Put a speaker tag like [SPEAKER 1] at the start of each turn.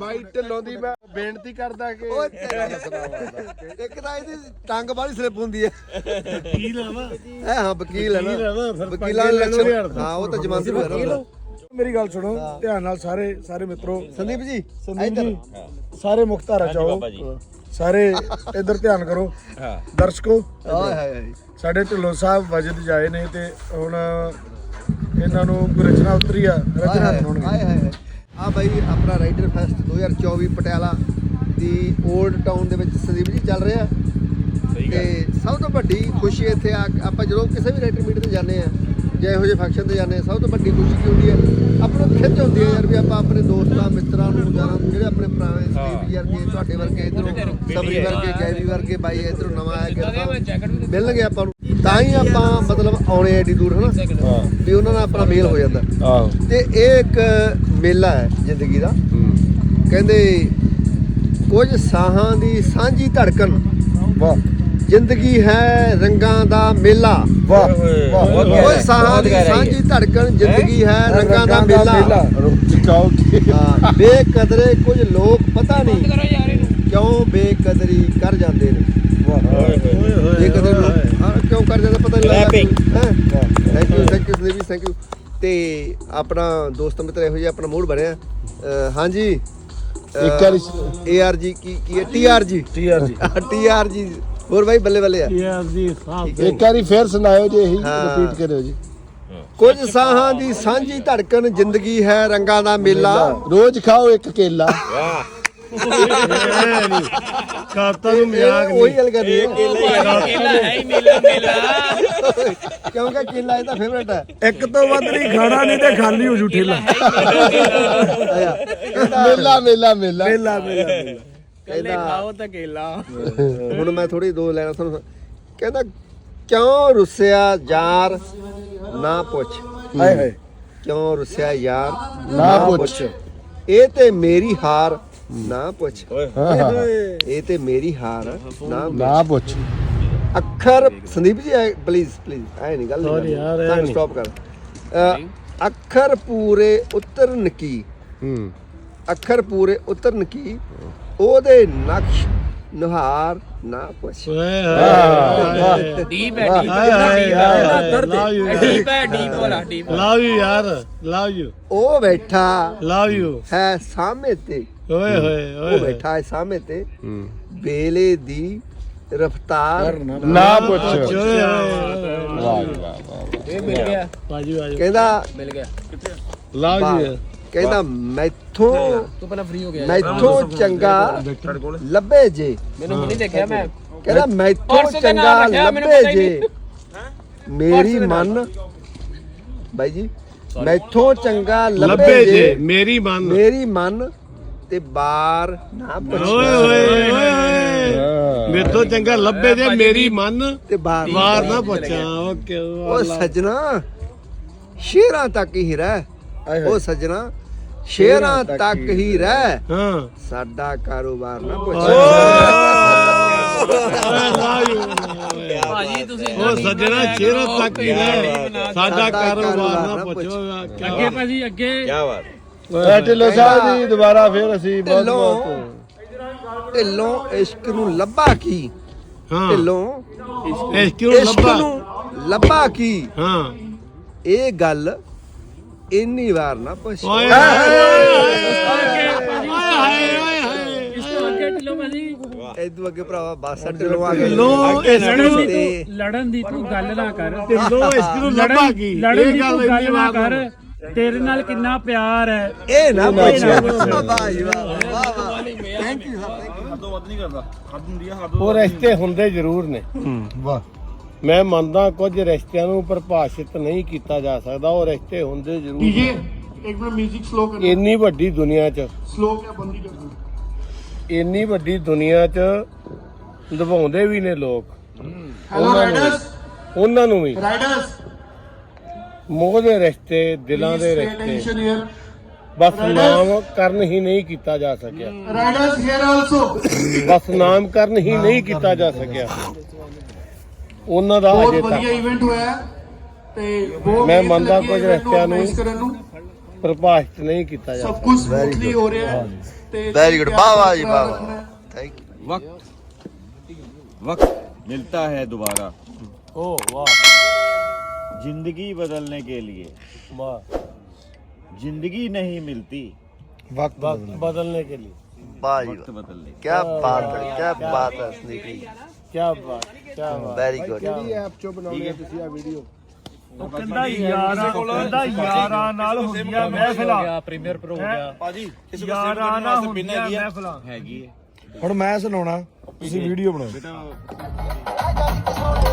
[SPEAKER 1] ਬਾਈ ਢਿੱਲੋਂ ਦੀ ਮੈਂ ਬੇਨਤੀ ਕਰਦਾ ਕਿ
[SPEAKER 2] ਇੱਕ ਤਾਂ ਇਹਦੀ ਟੰਗ ਬਾਹਲੀ ਸਲਿੱਪ ਹੁੰਦੀ ਹੈ।
[SPEAKER 3] ਵਕੀਲ ਆ ਨਾ
[SPEAKER 2] ਹਾਂ ਵਕੀਲ ਹੈ ਨਾ, ਵਕੀਲਾਂ ਦੇ ਲੱਛਣ। ਹਾਂ ਉਹ ਤਾਂ ਜਮਾਨਤ ਵਗੈਰਾ।
[SPEAKER 3] ਮੇਰੀ ਗੱਲ ਸੁਣੋ ਧਿਆਨ ਨਾਲ ਸਾਰੇ ਮਿੱਤਰੋ।
[SPEAKER 2] ਸੰਦੀਪ ਜੀ
[SPEAKER 3] ਇੱਧਰ ਸਾਰੇ ਮੁਖਤਾਰਾ ਚਾਹੋ, ਸਾਰੇ ਇੱਧਰ ਧਿਆਨ ਕਰੋ ਦਰਸ਼ਕੋ।
[SPEAKER 2] ਹਾਏ ਹਾਏ
[SPEAKER 3] ਸਾਡੇ ਢਿੱਲੋਂ ਸਾਹਿਬ ਵਜਦ ਜਾਏ ਨੇ ਤੇ ਹੁਣ ਇਹਨਾਂ ਨੂੰ ਕੋਈ ਰਚਨਾ ਉਤਰੀ ਆ, ਰਚਨਾ ਸੁਣਾਉਣਗੇ।
[SPEAKER 2] ਹਾਏ ਹਾਏ ਆ ਬਾਈ ਆਪਣਾ ਰਾਈਡਰ ਫੈਸਟ 2024 ਪਟਿਆਲਾ ਦੀ 올ਡ ਟਾਊਨ ਦੇ ਵਿੱਚ ਸੰਦੀਪ ਜੀ ਚੱਲ ਰਿਹਾ। ਤੇ ਸਭ ਤੋਂ ਵੱਡੀ ਖੁਸ਼ੀ ਇੱਥੇ ਆਪਾਂ ਜਦੋਂ ਕਿਸੇ ਵੀ ਰਾਈਡਰ ਮੀਟ ਤੇ ਜਾਂਦੇ ਆ ਜਾਂ ਇਹੋ ਜਿਹੇ ਫੰਕਸ਼ਨ ਤੇ ਜਾਂਦੇ ਆ, ਸਭ ਤੋਂ ਵੱਡੀ ਖੁਸ਼ੀ ਕੀ ਹੁੰਦੀ ਹੈ? ਆਪਾਂ ਨੂੰ ਖਿੱਚ ਹੁੰਦੀ ਹੈ ਯਾਰ ਵੀ ਆਪਾਂ ਆਪਣੇ ਦੋਸਤਾਂ ਮਿੱਤਰਾਂ ਨੂੰ ਜਿਹੜੇ ਆਪਣੇ ਪੁਰਾਣੇ ਸੰਦੀਪ ਜੀ ਵਰਗੇ, ਤੁਹਾਡੇ ਵਰਗੇ, ਇੱਧਰੋਂ ਸਬਰੀ ਵਰਗੇ, ਗੈਰੀ ਵਰਗੇ ਬਾਈ ਇੱਧਰੋਂ ਨਵਾਂ ਆਇਆ ਕਿ ਮਿਲਣਗੇ ਆਪਾਂ ਨੂੰ, ਤਾਂ ਹੀ ਆਪਾਂ ਮਤਲਬ ਆਉਣੇ ਐਡੀ ਦੂਰ ਹਨਾ ਵੀ ਉਹਨਾਂ ਨਾਲ ਆਪਣਾ ਮੇਲ ਹੋ ਜਾਂਦਾ। ਤੇ ਇਹ ਇੱਕ ਮੇਲਾ ਹੈ ਜ਼ਿੰਦਗੀ ਦਾ। ਕਹਿੰਦੇ ਕੁਝ ਸਾਹਾਂ ਦੀ ਸਾਂਝੀ ਧੜਕਨ, ਵਾਹ ਜ਼ਿੰਦਗੀ ਹੈ ਰੰਗਾਂ ਦਾ ਮੇਲਾ।
[SPEAKER 3] ਵਾਹ
[SPEAKER 2] ਕੁਝ ਸਾਹਾਂ ਦੀ ਸਾਂਝੀ ਧੜਕਨ, ਜ਼ਿੰਦਗੀ ਹੈ ਰੰਗਾਂ ਦਾ ਮੇਲਾ। ਬੇਕਦਰੇ ਕੁਝ ਲੋਕ ਪਤਾ ਨਹੀਂ ਕਿਉਂ ਬੇਕਦਰੀ ਕਰ ਜਾਂਦੇ ਨੇ। ਬੇਕਦਰੀ ਕਿਉਂ ਕਰ ਜਾਂਦੇ ਪਤਾ ਨਹੀਂ ਲੱਗਦਾ। Thank you Sandeep, thank you. ਤੇ ਆਪਣਾ ਦੋਸਤ ਮਿੱਤਰ ਇਹੋ ਜਿਹਾ ਆਪਣਾ ਮੂਡ ਬਣਿਆ। ਹਾਂਜੀ ARG ਕੀ ਹੈ? TRG ਹੋਰ ਬਾਈ ਬੱਲੇ ਬੱਲੇ ਆ।
[SPEAKER 3] ਇੱਕ ਵਾਰੀ ਫੇਰ ਸੁਣਾਇਓ ਜੀ, ਇਹੀ ਰਿਪੀਟ ਕਰਿਓ ਜੀ।
[SPEAKER 2] ਕੁਝ ਸਾਹਾਂ ਦੀ ਸਾਂਝੀ ਧੜਕਨ, ਜ਼ਿੰਦਗੀ ਹੈ ਰੰਗਾਂ ਦਾ ਮੇਲਾ।
[SPEAKER 3] ਰੋਜ਼ ਖਾਓ ਇੱਕ ਕੇਲਾ। ਕਾਤਾ ਨੂੰ ਮਜ਼ਾਕ
[SPEAKER 2] ਉਹੀ ਗੱਲ ਕਰ ਰਹੀ
[SPEAKER 4] ਕੇਲਾ ਹੈ ਹੀ ਮੇਲਾ
[SPEAKER 2] ਕਿਉਂਕਿ ਕੇਲਾ ਇਹਦਾ ਫੇਵਰਟ ਹੈ।
[SPEAKER 3] ਇੱਕ ਤੋਂ ਵੱਧ ਨਹੀਂ ਖਾਣਾ, ਨਹੀਂ ਤੇ ਖਾਲੀ ਹੋ ਜੂ ਠੇਲਾ। ਮੇਲਾ
[SPEAKER 4] ਕੇਲੇ ਖਾਓ ਤਾਂ ਕੇਲਾ।
[SPEAKER 2] ਹੁਣ ਮੈਂ ਥੋੜੀ ਦੋ ਲੈਣਾ ਤੁਹਾਨੂੰ। ਕਹਿੰਦਾ ਕਿਉਂ ਰੁੱਸਿਆ ਯਾਰ ਨਾ ਪੁੱਛ।
[SPEAKER 3] ਹਾਏ ਹਾਏ
[SPEAKER 2] ਕਿਉਂ ਰੁੱਸਿਆ ਯਾਰ
[SPEAKER 3] ਨਾ ਪੁੱਛ।
[SPEAKER 2] ਇਹ ਤੇ ਮੇਰੀ ਹਾਰ ਨਾ ਪੁੱਛ। ਇਹ ਤੇ ਮੇਰੀ ਹਾਰ ਨਾ
[SPEAKER 3] ਪੁੱਛ।
[SPEAKER 2] ਅੱਖਰ ਸੰਦੀਪ ਜੀ ਪਲੀਜ਼ ਐ ਨਹੀਂ ਗੱਲ ਸਾਨੂੰ ਸਟਾਪ ਕਰ। ਅੱਖਰ ਪੂਰੇ ਉਤਰਨ ਕੀ, ਅੱਖਰ ਪੂਰੇ ਉਤਰਨ ਕੀ, ਉਹਦੇ ਨਕਸ਼ ਨੁਹਾਰ ਨਾ ਪੁੱਛ।
[SPEAKER 4] ਡੀਪ ਹੈ
[SPEAKER 3] ਲਵ ਯੂ ਯਾਰ, ਲਵ ਯੂ।
[SPEAKER 2] ਉਹ ਬੈਠਾ
[SPEAKER 3] ਲਵ ਯੂ
[SPEAKER 2] ਹੈ ਸਾਹਮਣੇ ਤੇ,
[SPEAKER 3] ਓਏ ਹੋਏ
[SPEAKER 2] ਉਹ ਬੈਠਾ ਹੈ ਸਾਹਮਣੇ ਤੇ, ਵੇਲੇ ਦੀ ਰਫਤਾਰ
[SPEAKER 3] ਨਾ ਪੁੱਛ।
[SPEAKER 4] ਇਹ ਮਿਲ ਗਿਆ
[SPEAKER 2] ਕਹਿੰਦਾ
[SPEAKER 4] ਮਿਲ ਗਿਆ।
[SPEAKER 3] Love you.
[SPEAKER 2] ਕਹਿੰਦਾ ਮੈਥੋਂ
[SPEAKER 4] ਤੂੰ ਪਹਿਲਾਂ ਫ੍ਰੀ ਹੋ ਗਿਆ।
[SPEAKER 2] ਮੈਥੋਂ ਚੰਗਾ ਲੱਭੇ ਜੇ।
[SPEAKER 4] ਮੈਨੂੰ ਨਹੀਂ ਦੇਖਿਆ ਮੈਂ।
[SPEAKER 2] ਕਹਿੰਦਾ ਮੈਥੋਂ ਚੰਗਾ ਲੱਭੇ ਜੇ ਮੇਰੀ ਮਨ। ਬਾਈ ਜੀ ਮੈਥੋਂ ਚੰਗਾ ਲੱਭੇ ਜੇ
[SPEAKER 3] ਮੇਰੀ
[SPEAKER 2] ਮਨ ਤੇ ਬਾਰ ਨਾ ਪੁੱਛ।
[SPEAKER 3] ਓਏ ਓਏ ਓਏ ਮੇਥੋਂ ਚੰਗਾ ਲੱਭੇ ਜੇ ਮੇਰੀ ਮਨ
[SPEAKER 2] ਤੇ ਬਾਰ
[SPEAKER 3] ਨਾ ਪੁੱਛਾਂ। ਓਕੇ
[SPEAKER 2] ਉਹ ਸੱਜਣਾ ਸ਼ੇਰਾਂ ਤੱਕ ਹੀ ਰਹਿ। ਉਹ ਸੱਜਣਾ ਸ਼ੇਰਾਂ ਤੱਕ ਹੀ ਰਹਿ,
[SPEAKER 3] ਹਾਂ
[SPEAKER 2] ਸਾਡਾ ਕਾਰੋਬਾਰ ਨਾ ਪੁੱਛ।
[SPEAKER 4] ਭਾਜੀ ਤੁਸੀਂ
[SPEAKER 3] ਉਹ ਸੱਜਣਾ ਸ਼ੇਰਾਂ ਤੱਕ ਹੀ ਰਹਿ, ਸਾਡਾ ਕਾਰੋਬਾਰ ਨਾ ਪੁੱਛੋ।
[SPEAKER 4] ਅੱਗੇ ਭਾਜੀ ਅੱਗੇ
[SPEAKER 3] ਢਿੱਲੋਂ ਸਾਹਿਬ ਜੀ ਦੁਬਾਰਾ ਫੇਰ ਅਸੀਂ
[SPEAKER 2] ਢਿੱਲੋਂ ਇਸ਼ਕ ਨੂੰ ਲੱਭਾ ਕੀ,
[SPEAKER 3] ਹਾਂ
[SPEAKER 2] ਢਿੱਲੋਂ
[SPEAKER 3] ਇਸ਼ਕ
[SPEAKER 2] ਇਸ਼ਕ ਨੂੰ ਲੱਭਾ ਕੀ,
[SPEAKER 3] ਹਾਂ
[SPEAKER 2] ਇਹ ਗੱਲ ਇੰਨੀ ਵਾਰ ਨਾ ਪੁੱਛ।
[SPEAKER 3] ਓਏ
[SPEAKER 4] ਇਸ ਤੋਂ ਅੱਗੇ ਢਿੱਲੋਂ ਭਾਜੀ
[SPEAKER 2] ਇਦੋਂ ਅੱਗੇ ਭਰਾਵਾ ਬਸ ਢਿੱਲੋਂ ਆ ਗਏ।
[SPEAKER 5] ਲੜਨ ਦੀ ਤੂੰ ਗੱਲ ਨਾ ਕਰ।
[SPEAKER 3] ਢਿੱਲੋਂ ਇਸ਼ਕ ਨੂੰ ਲੱਭਾ ਕੀ,
[SPEAKER 5] ਲੜਨ ਦੀ ਤੂੰ ਗੱਲ ਨਾ ਕਰ। ਤੇਰੇ ਨਾਲ ਕਿੰਨਾ ਪਿਆਰ ਹੈ
[SPEAKER 2] ਇਹ ਨਾ ਪੁੱਛ। ਵਾਹ ਜੀ ਵਾਹ ਥੈਂਕ ਯੂ
[SPEAKER 6] ਹੱਦੋਂ ਵੱਧ ਨਹੀਂ ਕਰਦਾ, ਹੱਦ ਹੁੰਦੀ ਆ ਹੱਦ।
[SPEAKER 3] ਉਹ ਰਿਸ਼ਤੇ ਹੁੰਦੇ ਜ਼ਰੂਰ ਨੇ। ਵਾਹ ਮੈਂ ਮੰਨਦਾ ਕੁਝ ਰਿਸ਼ਤਿਆਂ ਨੂੰ ਪਰਿਭਾਸ਼ਿਤ ਨਹੀਂ ਕੀਤਾ ਜਾ ਸਕਦਾ, ਉਹ ਰਿਸ਼ਤੇ ਹੁੰਦੇ ਜ਼ਰੂਰ ਨੇ।
[SPEAKER 6] ਇੱਕ ਮਿੰਟ ਮਿਊਜ਼ਿਕ ਸਲੋ ਕਰ।
[SPEAKER 3] ਇੰਨੀ ਵੱਡੀ ਦੁਨੀਆ 'ਚ
[SPEAKER 6] ਸਲੋ ਕਿਆ ਬੰਦੀ ਕਰ।
[SPEAKER 3] ਇੰਨੀ ਵੱਡੀ ਦੁਨੀਆ 'ਚ ਨਿਭਾਉਂਦੇ ਵੀ ਨੇ ਲੋਕ। ਉਹਨਾਂ ਨੂੰ ਵੀ ਮੋਹ ਦੇ ਰਿਸ਼ਤੇ, ਦਿਲਾਂ ਦੇ ਰਿਸ਼ਤੇ ਬਸ ਨਾਮਕਰਨ ਹੀ ਨਹੀਂ ਕੀਤਾ ਜਾ ਸਕਿਆ। ਬਸ ਨਾਮਕਰਨ ਹੀ ਨਹੀਂ ਕੀਤਾ ਜਾ ਸਕਿਆ ਉਹਨਾਂ ਦਾ ਅਜੇ ਤੱਕ।
[SPEAKER 6] ਇਵੈਂਟ ਹੋਇਆ ਤੇ
[SPEAKER 3] ਮੈਂ ਮੰਨਦਾ ਕੁਝ ਰਿਸ਼ਤਿਆਂ ਨੂੰ ਪ੍ਰਭਾਸ਼ਿਤ ਨਹੀਂ ਕੀਤਾ ਜਾ
[SPEAKER 6] ਸਭ ਕੁਝ ਸਮੂਥਲੀ ਹੋ ਰਿਹਾ ਹੈ। ਤੇ
[SPEAKER 2] ਵੈਰੀ ਗੁੱਡ, ਵਾਹ ਵਾਹ ਜੀ ਵਾਹ ਵਾਹ, ਥੈਂਕ ਯੂ।
[SPEAKER 7] वक्त मिलता है दोबारा
[SPEAKER 3] ਓ ਵਾਹ
[SPEAKER 7] जिंदगी बदलने के लिए,
[SPEAKER 3] ਵਾਹ
[SPEAKER 7] जिंदगी नहीं मिलती
[SPEAKER 1] ਵਕਤ
[SPEAKER 3] वक्त बदलने के लिए
[SPEAKER 2] ਵਾਹ ਜੀ
[SPEAKER 7] वक्त बदलने के
[SPEAKER 2] ਕੀ ਬਾਤ ਹੈ, ਕੀ ਬਾਤ ਹੈ ਸਨੀਕੀ,
[SPEAKER 3] क्या बात क्या बात
[SPEAKER 2] ਵੈਰੀ ਗੁੱਡ।
[SPEAKER 1] ਕਿਹੜੀ ਐਪ ਚੋਂ ਬਣਾਉਣੀ ਹੈ ਤੁਸੀਂ ਆ ਵੀਡੀਓ?
[SPEAKER 5] ਉਹ ਕਹਿੰਦਾ ਯਾਰਾਂ ਨਾਲ ਹੁੰਦੀਆਂ ਮਹਿਫਲਾਂ,
[SPEAKER 4] ਪ੍ਰੀਮੀਅਰ ਪ੍ਰੋ ਹੋ ਗਿਆ
[SPEAKER 6] ਭਾਜੀ
[SPEAKER 5] ਯਾਰਾਂ ਨਾਲ ਹੁੰਦੀਆਂ ਮਹਿਫਲਾਂ।
[SPEAKER 7] हैगी है
[SPEAKER 1] ਹੁਣ ਮੈਂ ਸੁਣਾਉਣਾ, ਤੁਸੀਂ ਵੀਡੀਓ ਬਣਾਓ।